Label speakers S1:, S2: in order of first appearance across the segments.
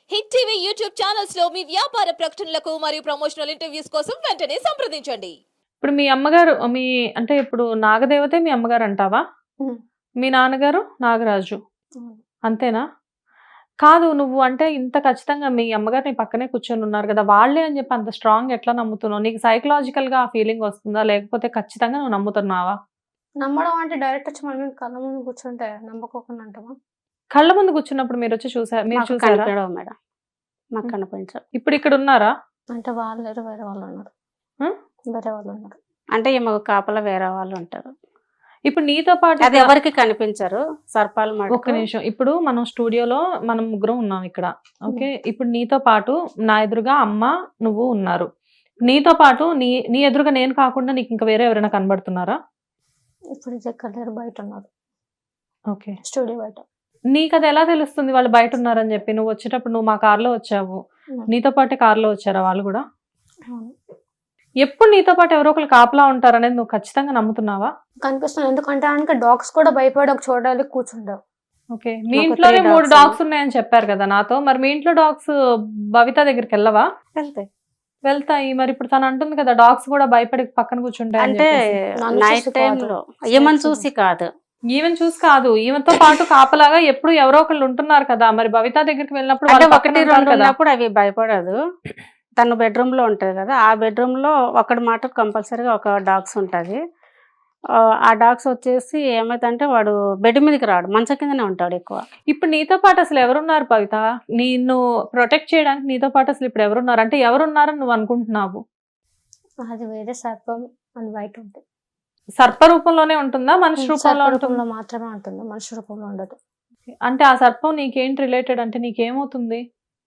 S1: Hit TV YouTube channels లో మీ వ్యాపార ప్రకటనలకు మరియు ప్రమోషనల్ ఇంటర్వ్యూస్ కోసం వెంటనే సంప్రదించండి.
S2: ఇప్పుడు మీ అమ్మగారు అంటే ఇప్పుడు నాగదేవతే మీ అమ్మగారు అంటావా?
S3: హ్మ్.
S2: మీ నాన్నగారు నాగరాజు.
S3: అవును.
S2: అంతేనా? కాదు, నువ్వు అంటే ఇంత ఖచ్చితంగా మీ అమ్మగారు నీ పక్కనే కూర్చొని ఉన్నారు కదా! వాళ్ళే అని చెప్పి అంత స్ట్రాంగ్ ఎట్లా నమ్ముతున్నావు? నీకు సైకలాజికల్‌గా ఆ ఫీలింగ్ వస్తుందా? లేకపోతే ఖచ్చితంగా నువ్వు నమ్ముతున్నావా?
S3: నమ్మడం అంటే డైరెక్ట్ వచ్చి మన మీద కళ్ళ ముందు కూర్చుంటే నమ్మకోకుండా అంటామా?
S2: కళ్ళ ముందు కూర్చున్నప్పుడు మీరు
S4: మాకు
S2: చూసారా?
S4: కనిపించవు మేడం. మాకు
S2: హ్మ్.
S4: కనిపించవు.
S2: ఇప్పుడు ఇక్కడ ఉన్నారా?
S3: అంటే వాళ్ళు లేరు, వేరే వాళ్ళు ఉన్నారు.
S2: హ్మ్?
S3: వేరే వాళ్ళు ఉన్నారు.
S4: అంటే ఈమెకు కాపలా వేరే వాళ్ళు ఉంటారు.
S2: ఇప్పుడు నీతో పాటు
S4: అది ఎవరికి కనిపించరు. సర్పాలు
S2: ఒక్క
S4: మటుకు
S2: నిమిషం. ఇప్పుడు మనం స్టూడియోలో మనం ముగ్గురం ఉన్నాం ఇక్కడ. ఓకే. ఇప్పుడు నీతో పాటు నా ఎదురుగా అమ్మ, నువ్వు ఉన్నారు. నీతో పాటు నీ ఎదురుగా నేను కాకుండా నీకు ఇంకా వేరే ఎవరైనా కనబడుతున్నారా?
S3: ఇప్పుడు ఇది ఎక్కడ లేరు, బయట ఉన్నారు.
S2: ఓకే.
S3: స్టూడియో బయట.
S2: నీకు అది ఎలా తెలుస్తుంది వాళ్ళు బయట ఉన్నారని చెప్పి? నువ్వు వచ్చేటప్పుడు నువ్వు మా కార్లో వచ్చావు.
S3: హ్మ్.
S2: నీతో పాటే కార్లో వచ్చారా వాళ్ళు కూడా?
S3: అవును.
S2: ఎప్పుడు నీతో పాటు ఎవరో ఒకరు కాపలా ఉంటారు అనేది నువ్వు ఖచ్చితంగా నమ్ముతున్నావా?
S3: కనిపిస్తుంది. ఎందుకంటే ఆయనకి డాగ్స్ కూడా భయపడి ఒక చోట వెళ్ళి కూర్చుంటావు.
S2: ఓకే. మీ
S4: మాకు
S2: ఇంట్లోనే
S4: 3
S2: 3
S4: dogs
S2: డాగ్స్ ఉన్నాయని చెప్పారు కదా నాతో. మరి మీ ఇంట్లో డాగ్స్ భవిత దగ్గరికి వెళ్ళవా?
S4: వెళ్తాయి.
S2: వెళ్తాయి. మరి ఇప్పుడు తను అంటుంది కదా డాగ్స్ కూడా భయపడి పక్కన కూర్చుంటాయి అని
S4: అంటే
S2: చెప్పేసి.
S3: నన్ను
S4: నైట్
S3: చూసి
S4: టైంలో
S3: కాదు.
S4: ఏమని చూసి కాదు.
S2: ఈవెన్ చూసి కాదు, ఈవెన్తో పాటు కాపలాగా ఎప్పుడు ఎవరో ఒకళ్ళు ఉంటున్నారు కదా. మరి భవిత దగ్గరికి వెళ్ళినప్పుడు
S4: అంటే
S2: వాళ్ళు పక్కన
S4: 1,
S2: ఉంటారు
S4: 2
S2: కదా.
S4: ఉన్నప్పుడు అవి భయపడదు. తను బెడ్రూమ్ లో ఉంటది కదా, ఆ బెడ్రూమ్ లో ఒకటి మాట కంపల్సరీగా ఒక డాగ్స్ ఉంటది. ఆ డాగ్స్ వచ్చేసి ఏమైందంటే వాడు బెడ్ మీదకి రాడు, మంచం కిందనే ఉంటాడు ఎక్కువ.
S2: ఇప్పుడు నీతో పాటు అసలు ఎవరున్నారు భవిత? నిన్ను ప్రొటెక్ట్ చేయడానికి నీతో పాటు అసలు ఇప్పుడు ఎవరున్నారు? అంటే ఎవరున్నారని నువ్వు అనుకుంటున్నావు?
S3: అది వేరే సర్పం అని బయట ఉంటుంది.
S2: సర్ప రూపంలోనే ఉంటుందా, మనిషి రూపంలో
S3: సర్ప
S2: ఉంటుందా?
S3: రూపంలో మాత్రమే ఉంటుంది, మనిషి రూపంలో ఉండదు.
S2: అంటే ఆ సర్పం నీకేంటి రిలేటెడ్? అంటే నీకేమవుతుంది?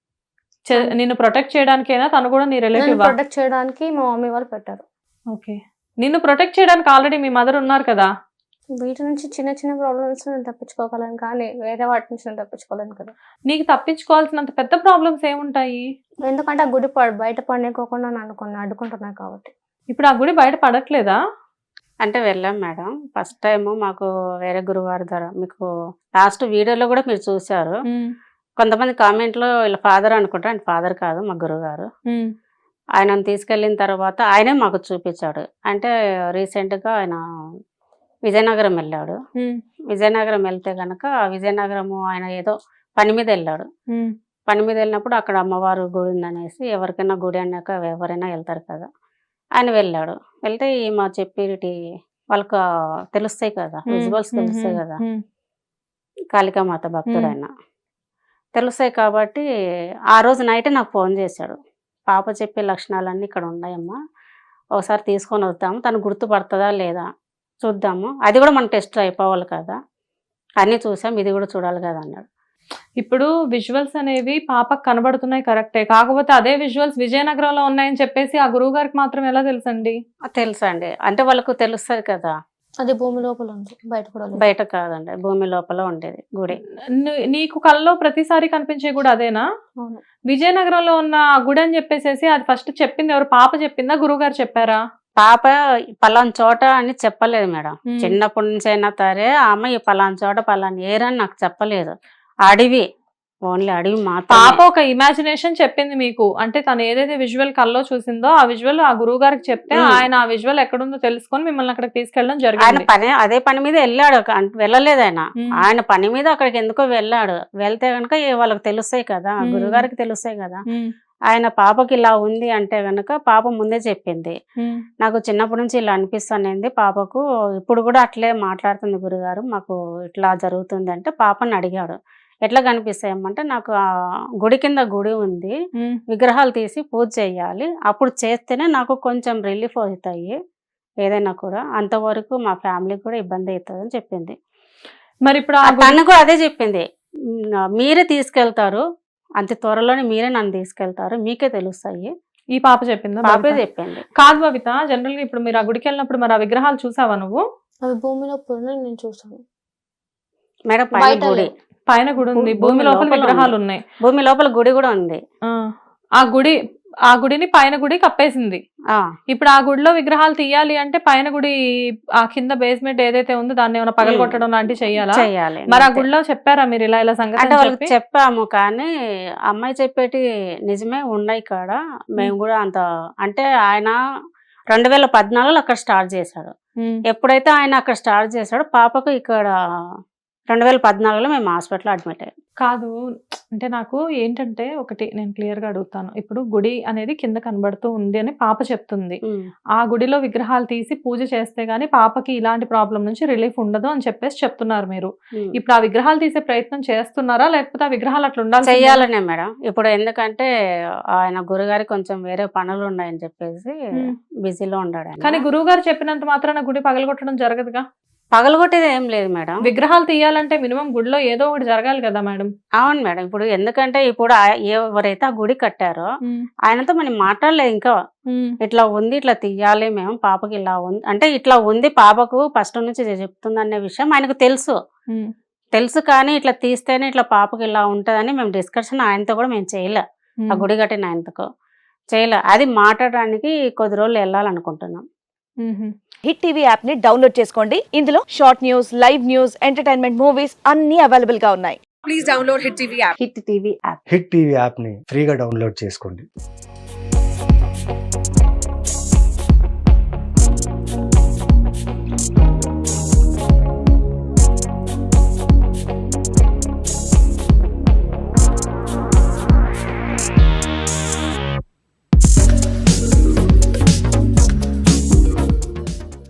S2: నిన్ను ప్రొటెక్ట్ చేయడానికైనా తను కూడా నీ
S3: నన్ను
S2: రిలేటివ్?
S3: ప్రొటెక్ట్ చేయడానికి మా మమ్మీ వాళ్ళు పెట్టారు.
S2: ఓకే. నిన్ను ప్రొటెక్ట్ చేయడానికి ఆల్రెడీ మీ మదర్ ఉన్నారు కదా.
S3: వీటి నుంచి చిన్న చిన్న ప్రాబ్లమ్స్ నేను తప్పించుకోగలను, కానీ వేరే వాటి నుంచి నేను తప్పించుకోలేను కదా.
S2: నీకు తప్పించుకోవాల్సినంత పెద్ద ప్రాబ్లమ్స్ ఏముంటాయి?
S3: ఎందుకంటే ఆ గుడి బయట పడేకోకుండా నన్ను కొన్ని అడ్డుకుంటున్నాయి కాబట్టి.
S2: ఇప్పుడు ఆ గుడి బయట పడట్లేదా?
S4: అంటే వెళ్ళాం మేడం. ఫస్ట్ టైం మాకు వేరే గురువారి ద్వారా, మీకు లాస్ట్ వీడియోలో కూడా మీరు చూశారు. కొంతమంది కామెంట్లో వీళ్ళ ఫాదర్ అనుకుంటారు, ఆయన ఫాదర్ కాదు, మా గురుగారు. ఆయనను తీసుకెళ్ళిన తర్వాత ఆయనే మాకు చూపించాడు. అంటే రీసెంట్గా ఆయన విజయనగరం వెళ్ళాడు. విజయనగరం వెళ్తే కనుక విజయనగరము ఆయన ఏదో పని మీద వెళ్ళాడు. పని మీద వెళ్ళినప్పుడు అక్కడ అమ్మవారు గుడి ఉందనేసి, ఎవరికైనా గుడి అన్నాక ఎవరైనా వెళ్తారు కదా, ఆయన వెళ్ళాడు. వెళ్తే మా చెప్పేటి వాళ్ళకు తెలుస్తాయి కదా, విజువల్స్ తెలుస్తాయి కదా, కాళికామాత భక్తుడు ఆయన తెలుస్తాయి కాబట్టి ఆ రోజు నైటే నాకు ఫోన్ చేశాడు. పాప చెప్పే లక్షణాలన్నీ ఇక్కడ ఉన్నాయమ్మా, ఒకసారి తీసుకొని వద్దాము, తను గుర్తుపడుతుందా లేదా చూద్దాము, అది కూడా మనం టెస్ట్ అయిపోవాలి కదా, అన్నీ చూసాం, ఇది కూడా చూడాలి కదా అన్నాడు.
S2: ఇప్పుడు విజువల్స్ అనేవి పాపకు కనబడుతున్నాయి కరెక్టే, కాకపోతే అదే విజువల్స్ విజయనగరంలో ఉన్నాయని చెప్పేసి ఆ గురువు గారికి మాత్రం ఎలా తెలుసండి?
S4: తెలుసా అండి, అంటే వాళ్ళకు తెలుస్తుంది కదా.
S3: అది భూమి లోపల ఉంది, బయట కూడా లేదు.
S4: బయట కాదండి, భూమి లోపల ఉండేది గుడి.
S2: నీకు కల్లో ప్రతిసారి కనిపించే గుడి అదేనా?
S3: అవును.
S2: విజయనగరంలో ఉన్న ఆ గుడి అని చెప్పేసి అది ఫస్ట్ చెప్పింది ఎవరు? పాప చెప్పిందా, గురువు గారు చెప్పారా?
S4: పాప పలానా చోట అని చెప్పలేదు మేడం. చిన్నప్పటి నుంచి అయినా సరే ఆమె ఈ పలానా చోట పలానా ఏరని నాకు చెప్పలేదు. అడవి, ఓన్లీ అడవి మాత్రం.
S2: పాప ఒక ఇమాజినేషన్ చెప్పింది మీకు. అంటే తను ఏదైతే విజువల్ కల్లో చూసిందో ఆ విజువల్ ఆ గురువు గారికి చెప్తే ఆయన ఆ విజువల్ ఎక్కడుందో తెలుసుకొని మిమ్మల్ని అక్కడికి తీసుకెళ్ళడం
S4: ఆయన
S2: జరిగింది.
S4: అదే పని మీద వెళ్ళాడు, వెళ్ళలేదు ఆయన. ఆయన పని మీద అక్కడికి ఎందుకో వెళ్ళాడు. వెళ్తే కనుక వాళ్ళకి తెలుస్తాయి కదా, గురుగారికి తెలుస్తాయి కదా. ఆయన పాపకి ఇలా ఉంది అంటే గనక పాప ముందే చెప్పింది, నాకు చిన్నప్పటి నుంచి ఇలా అనిపిస్తుంది పాపకు, ఇప్పుడు కూడా అట్లే మాట్లాడుతుంది గురుగారు, మాకు ఇట్లా జరుగుతుంది అంటే. పాపని అడిగాడు, ఎట్లా కనిపిస్తాయమ్మంటే, నాకు ఆ గుడి కింద గుడి ఉంది, విగ్రహాలు తీసి పూజ చేయాలి, అప్పుడు చేస్తేనే నాకు కొంచెం రిలీఫ్ అవుతాయి ఏదైనా కూడా, అంతవరకు మా ఫ్యామిలీకి కూడా ఇబ్బంది అవుతుంది అని చెప్పింది.
S2: మరి ఇప్పుడు
S4: తను కూడా అదే చెప్పింది, మీరే తీసుకెళ్తారు, అంత త్వరలోనే మీరే నన్ను తీసుకెళ్తారు, మీకే తెలుస్తాయి.
S2: ఈ పాప చెప్పిందా?
S4: పాపే చెప్పింది.
S2: కాదు భవిత, జనరల్ గా ఇప్పుడు మీరు ఆ గుడికి వెళ్ళినప్పుడు మరి ఆ విగ్రహాలు చూసావా నువ్వు?
S3: అవి భూమి లోపల నేను చూసాను
S4: మేడం. పైన గుడి,
S2: పైన గుడి ఉంది, భూమి లోపల విగ్రహాలు ఉన్నాయి.
S4: భూమి లోపల గుడి కూడా ఉంది.
S2: ఆ గుడి ఆ గుడిని పైన గుడి కప్పేసింది.
S4: ఆ,
S2: ఇప్పుడు ఆ గుడిలో విగ్రహాలు తీయాలి అంటే పైన గుడి ఆ కింద బేస్మెంట్ ఏదైతే ఉందో దాన్ని ఏమైనా పగలగొట్టడం లాంటివి చెయ్యాలా?
S4: చెయ్యాలి.
S2: మరి ఆ
S4: అంతే.
S2: గుడిలో చెప్పారా మీరు ఇలా సంగతి
S4: అంటే
S2: అని
S4: వాళ్ళకి
S2: చెప్పి?
S4: చెప్పాము, కానీ అమ్మాయి చెప్పేటి నిజమే ఉన్నాయి కాడ. మేము కూడా అంత అంటే ఆయన 2014లో అక్కడ స్టార్ట్ చేశాడు.
S2: ఉమ్.
S4: ఎప్పుడైతే ఆయన అక్కడ స్టార్ట్ చేశాడో పాపకు ఇక్కడ 2014లో మేము హాస్పిటల్ అడ్మిట్ అయ్యాం.
S2: కాదు, అంటే నాకు ఏంటంటే ఒకటి నేను క్లియర్ గా అడుగుతాను. ఇప్పుడు గుడి అనేది కింద కనబడుతూ ఉంది అని పాప చెప్తుంది. ఆ గుడిలో విగ్రహాలు తీసి పూజ చేస్తే గానీ పాపకి ఇలాంటి ప్రాబ్లం నుంచి రిలీఫ్ ఉండదు అని చెప్పేసి చెప్తున్నారు మీరు. ఇప్పుడు ఆ విగ్రహాలు తీసే ప్రయత్నం చేస్తున్నారా, లేకపోతే ఆ విగ్రహాలు అట్లా ఉండాలి?
S4: చెయ్యాలనే మేడం. ఇప్పుడు ఎందుకంటే ఆయన గురుగారి కొంచెం వేరే పనులు ఉన్నాయని చెప్పేసి బిజీలో ఉన్నాడు ఆయన.
S2: కానీ గురువు గారు చెప్పినంత మాత్రాన గుడి పగలగొట్టడం జరగదుగా.
S4: పగలగొట్టేది ఏం లేదు మేడం.
S2: విగ్రహాలు తీయాలంటే మినిమం గుడిలో ఏదో ఒకటి జరగాలి కదా మేడం.
S4: అవును మేడం. ఇప్పుడు ఎందుకంటే ఇప్పుడు ఎవరైతే ఆ గుడి కట్టారో ఆయనతో మనం మాట్లాడలేదు ఇంకా. ఇట్లా ఉంది, ఇట్లా తీయాలి మేము, పాపకి ఇలా ఉంది అంటే ఇట్లా ఉంది పాపకు ఫస్ట్ నుంచి చెప్తుంది అనే విషయం ఆయనకు తెలుసు. కానీ ఇట్లా తీస్తేనే ఇట్లా పాపకి ఇలా ఉంటదని మేము డిస్కషన్ ఆయనతో కూడా మేము చేయలే. ఆ గుడి కట్టిన ఆయనతో చేయలే. అది మాట్లాడడానికి కొద్ది రోజులు వెళ్ళాలనుకుంటున్నాం.
S5: హిట్ టీవీ యాప్ ని డౌన్లోడ్ చేసుకోండి. ఇందులో short news, live news, entertainment movies అన్ని అవైలబుల్ గా ఉన్నాయి.
S4: Hit TV app.
S6: Hit TV యాప్ని ఫ్రీగా డౌన్లోడ్ చేసుకోండి.